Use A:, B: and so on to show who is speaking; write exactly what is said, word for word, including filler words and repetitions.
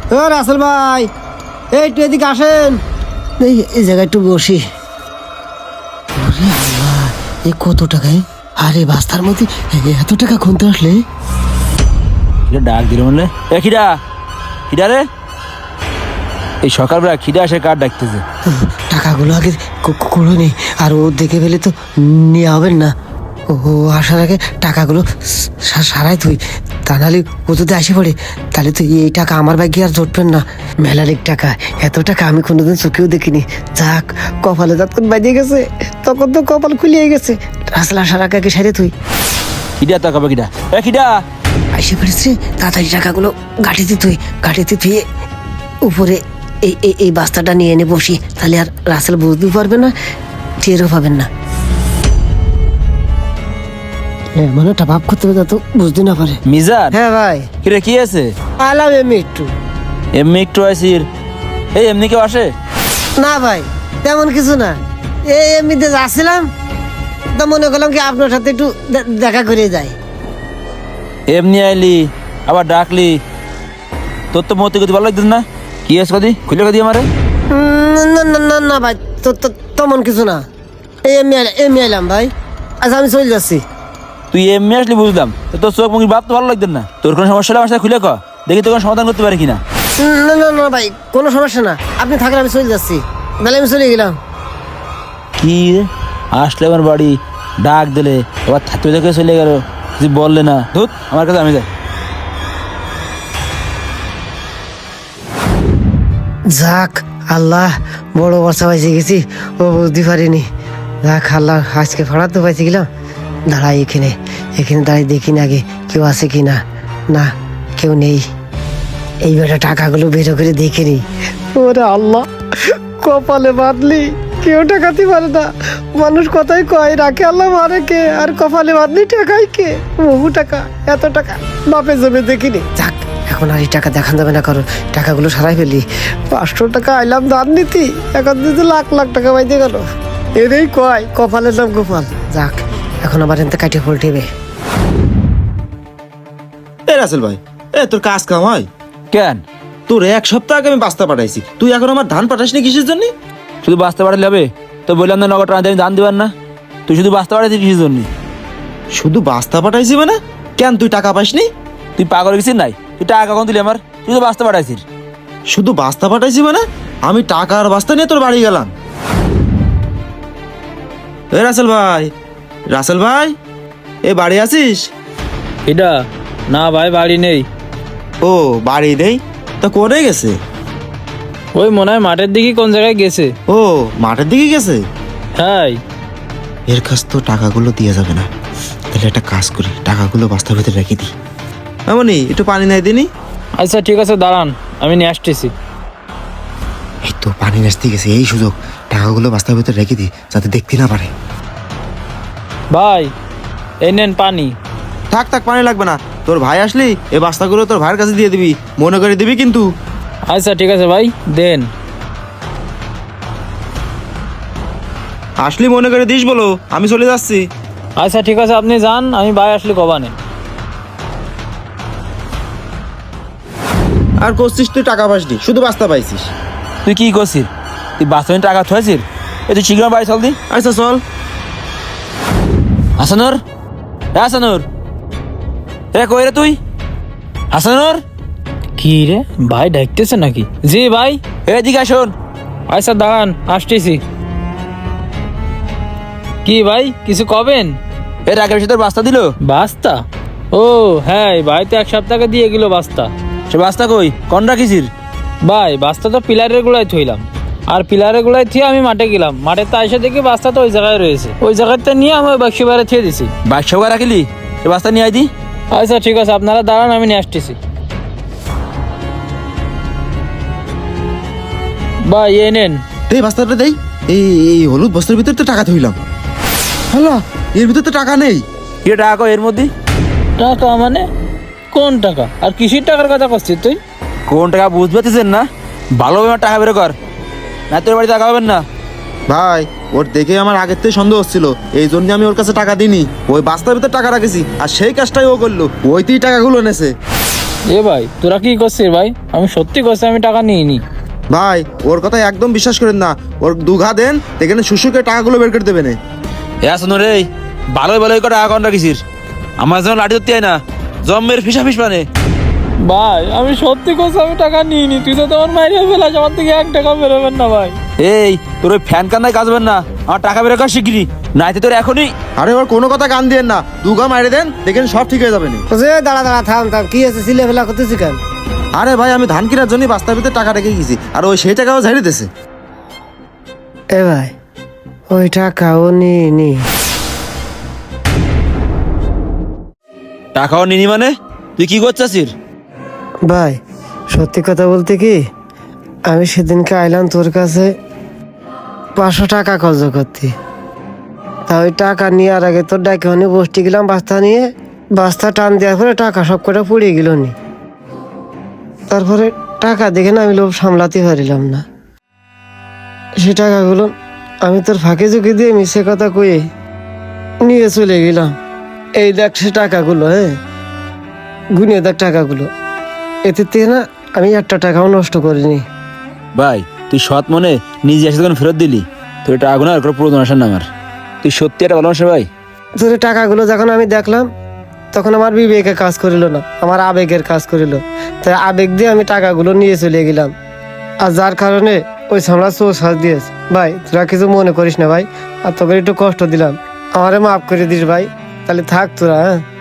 A: ও রাসেল ভাই, এই একটু এদিকে আসেন। এই এই জায়গায় একটু বসি। ওরে আল্লাহ, এ কত টাকায়? আরে বাস্তার মধ্যে এত টাকা খুনতে আসলে?
B: ডাক দিল বললে এ খিডা খিডা রে, এই সকালবেলা খিডা এসে কার ডাকতেছে?
A: টাকাগুলো আগে কুড়ো নেই, আর ও দেখে ফেলে তো নিয়ে হবেন না। ও আসার আগে টাকাগুলো সারাই তুই, তা নাহলে ও যদি আসে পড়ে তাহলে তুই এই টাকা আমার ভাগ্যে আর জুটবেন না। মেলালিক টাকা, এত টাকা আমি কোনোদিন চোখেও দেখিনি। যাক, কপালে যখন বাজিয়ে গেছে তখন তো কপাল খুলিয়ে গেছে। রাসেল আসার আগে আগে সারে তুই।
B: খিডা তাকাবে কিডা? এ খিডা
A: আসে পড়েছে, তাড়াতাড়ি টাকাগুলো গাঠিতে তুই, গাঠিতে তুই উপরে এই এই এই বাস্তাটা নিয়ে এনে বসি, তাহলে আর রাসেল বুঝতে পারবে না, টেরও পাবেন না। এমন একটা ভাব করতে হবে যাতে বুঝতে না পারে।
B: মিজান,
A: হ্যাঁ ভাই।
B: কিরে কি আছে?
A: আলাম এমনি একটু।
B: এমনি একটু আসির? এই এমনি কেউ আসে
A: না ভাই, তেমন কিছু না, এই এমনিতে যাচ্ছিলাম তা মনে করলাম কি আপনার সাথে একটু দেখা করে যাই।
B: এমনি আইলি আবার ডাকলি, তোর তো মতি গতি ভালো লাগতেছ না। কি আছে কদি খুলে কদি আমারে?
A: না না না না ভাই, তো তেমন কিছু না, এই এমনি এমনি এলাম ভাই। আচ্ছা আমি চলে যাচ্ছি।
B: তুই এমনি আসলি বুঝলাম, তোর চোখ মুখের ভাব তো ভালো লাগতেন না। তোর কোনো সমস্যা হলে আমার সাথে খুলে ক, দেখি তোর কোনো সমাধান করতে পারি কিনা।
A: না না না ভাই, কোনো সমস্যা না, আপনি থাকেন, আমি চলে যাচ্ছি। তাহলে আমি চলে গেলাম।
B: কি আসলে আমার বাড়ি, ডাক দিলে আবার থাকতে দেখে চলে গেল, তুই বললে না। ধুত আমার কাছে, আমি যাই।
A: যাক আল্লাহ, বড় বর্ষা পাইছে গেছি, ও বুঝতে পারিনি। যাক আল্লাহ, আজকে ফাড়াতে পাইছি গেলাম। দাঁড়াই এখানে, এখানে দাঁড়াই দেখি না আগে কেউ আছে কি না। না, কেউ নেই। এইবারে টাকাগুলো বেরো করে দেখে নি। ওরে আল্লাহ, কপালে বাঁধলি কেউ টাকাতে পারে না। মানুষ কথাই কয়, রাখে আল্লাহ মারে কে, আর কপালে বাঁধলি টাকাই কে। বহু টাকা, এত টাকা বাপে জমে দেখিনি। যাক, এখন আর এই টাকা দেখান যাবে না, কারণ টাকাগুলো সারাই ফেললি। পাঁচশো টাকা আইলাম দান নীতি, এখন যদি লাখ লাখ টাকা বাইতে গেল। এরই কয় কপালের নাম গোপাল। যাক, এখন আবার এনতে কাটিয়ে পল্টিবে।
C: এ রাসেল ভাই, এ তোর কাজ কাম হয়
B: কেন?
C: তোর এক সপ্তাহ আগে আমি বাস্তা পাঠাইছি, তুই এখন আমার ধান পাঠাসনি কিসের জন্য?
B: শুধু বাঁচতে পারলে হবে? তো বললাম না নগদ টাকা আমি দান দিবার না। তুই শুধু বাঁচতে পারছিস কিসের জন্য?
C: শুধু বাস্তা পাঠাইছি মানে? কেন তুই টাকা পাসনি?
B: তুই পাগল গেছিস নাই? তুই টাকা কখন দিলি আমার? তুই তো বাঁচতে পাঠাইছিস।
C: শুধু বাস্তা পাঠাইছি মানে? আমি টাকা আর বাস্তা নিয়ে তোর বাড়ি গেলাম। এ রাসেল ভাই, রাসেল ভাই, এ বাড়ি আছিস?
B: এটা না ভাই, বাড়ি নেই।
C: ও বাড়ি নেই? তা কোনে গেছে?
B: ওই মনে হয় মাঠের দিকে কোন জায়গায় গেছে।
C: ও মাঠের দিকে গেছে?
B: হ্যাঁ।
C: এর কাছ তো টাকাগুলো দিয়ে যাবে না, তাহলে একটা কাজ করি, টাকাগুলো বাস্তার ভিতরে রেখে দিই। এমনই একটু পানি নাই দিনি?
B: আচ্ছা ঠিক আছে, দাঁড়ান আমি নিয়ে আসতেছি।
C: এই তো পানি নাচতে গেছে, এই সুযোগ, টাকাগুলো বাস্তার ভিতরে রেখে দিই যাতে দেখতে না পারে।
B: ভাই এই নেন পানি।
C: থাক থাক, পানি লাগবে না। তোর ভাই আসলি এই বাস্তাগুলো তোর ভাইয়ের কাছে দিয়ে দিবি, মনে করে দিবি কিন্তু।
B: আচ্ছা ঠিক আছে ভাই, দেন।
C: আসলি মনে করে দিস বলো, আমি চলে যাচ্ছি।
B: আচ্ছা ঠিক আছে, আপনি যান, আমি ভাই আসলে কবানে।
C: আর করছিস তুই টাকা পাসনি, শুধু বাস্তা পাইছিস।
B: তুই কি করছিস? তুই বাস্তবে টাকা থয়েছিস? এই তুই শীঘ্র বাড়ি চল দি।
C: আচ্ছা চল।
B: হাসানুর, এ হাসানুর, এ কই রে তুই? হাসানুর, কি রে ভাই ডাকতেছে নাকি? জি ভাই, এদিকে আসুন। আচ্ছা দাঁড়ান, আসতেছি। কি ভাই কিছু কবেন? এর আগের সাথে বাস্তা দিল। বাস্তা? ও হ্যাঁ, ভাই তো এক সপ্তাহ দিয়ে গেল বাস্তা। সে বাস্তা কই, কোন রাখিসির? ভাই বাস্তা তো পিলারের গোড়ায় থইলাম, আর পিলারের গোড়ায় থিয়ে আমি মাঠে গেলাম। মাঠে তো এসে দেখি বাস্তা তো ওই জায়গায় রয়েছে, ওই জায়গাতে নিয়ে আমি ওই বাক্স বাইরে থিয়ে দিছি। বাক্স বাইরে রাখিলি? সে বাস্তা নিয়ে আই দি। আচ্ছা ঠিক আছে, আপনারা দাঁড়ান, আমি নিয়ে আসতেছি। ভাই এই নেন।
C: এই বাস্তাটা দেই। এই এই হলুদ বস্তার ভিতরে তো টাকা থইলাম। হ্যালো, এর ভিতরে তো টাকা নেই।
B: কি টাকা এর মধ্যে? টাকা মানে কোন টাকা? আর কিসের টাকার কথা করছিস তুই? কোন টাকা বুঝতে পারছিস না? ভালোভাবে টাকা বের কর, না তোর বাড়ি টাকা পাবেন না।
C: ভাই ওর দেখে আমার আগের থেকে সন্দেহ হচ্ছিল, এই জন্য আমি ওর কাছে টাকা দিইনি। ওই বাস্তার ভিতরে টাকা রাখেছি, আর সেই কাজটাই ও করলো, ওইতেই টাকাগুলো নেছে।
B: এ ভাই তোরা কি করছিস ভাই? আমি সত্যি করছি, আমি টাকা নিইনি।
C: ভাই ওর কথা একদম বিশ্বাস করেন না, ওর দুঘা দেন দেখেন শুশুকে টাকাগুলো বের করে দেবেন।
B: এ আসুন রে, ভালোই ভালোই করে টাকা কন্ট্রা কিসির? আমার যেমন লাঠি ধরতে হয় না, জম্মের ফিসা ফিস মানে। ভাই আমি সত্যি করছি, আমি টাকা নিইনি। তুই তো তোমার মাইরে ফেলাস, আমার থেকে এক টাকা বেরোবেন না ভাই। এই তোর ওই ফ্যান কান্দায় কাজ হবে না, আমার টাকা বেরো কর শিগগিরি, নাইতে তোর এখনই।
C: আরে ওর কোনো কথা কান দিয়েন না, দুঘা মাইরে দেন দেখেন সব ঠিক হয়ে যাবে।
A: যে দাঁড়া দাঁড়া থাম থাম, কি আছে সিলে ফেলা করতেছি কেন?
C: আরে ভাই আমি ধান কেনার জন্য বাস্তার ভিতরে টাকা রেখে গেছি, আর ওই সেই টাকাও ঝাড়ি দিতেছে।
A: এ ভাই ওই টাকাও নিয়ে নি।
B: টাকাও নিনি মানে? তুই কি করছিস?
A: ভাই সত্যি কথা বলতে কি, আমি সেদিনকে আইলাম তোর কাছে পাঁচশো টাকা খরচ করতে। তা ওই টাকা নেওয়ার আগে তোর ডাকে মানে বসতে গেলাম বাস্তা নিয়ে, বাস্তা টান দেওয়ার পরে টাকা সব কটা পুড়িয়ে গেল নি। তারপরে টাকা দেখে না আমি লোভ সামলাতে পারিলাম না, সে টাকাগুলো আমি তোর ফাঁকে ঝুঁকি দিয়ে মিশে কথা কয়ে নিয়ে চলে গেলাম। এই দেখ সে টাকাগুলো, হ্যাঁ গুনে দেখ টাকাগুলো, এতে থেকে না আমি একটা টাকাও নষ্ট করিনি।
B: ভাই তুই সৎ মনে নিজে এসে তখন ফেরত দিলি, তোর টাকাগুলো আর কোনো প্রয়োজন আসেন না আমার। তুই সত্যি একটা ভালোবাসা ভাই।
A: তোর এই টাকাগুলো যখন আমি দেখলাম তখন আমার বিবেকে কাজ করিল না, আমার আবেগের কাজ করিল। তাই আবেগ দিয়ে আমি টাকাগুলো নিয়ে চলে গেলাম, আর যার কারণে ওই সামলা চোর সাজ দিয়েছে। ভাই তোরা কিছু মনে করিস না ভাই, আর তোকে একটু কষ্ট দিলাম, আমারে মাফ করে দিস ভাই। তাহলে থাক তোরা, হ্যাঁ।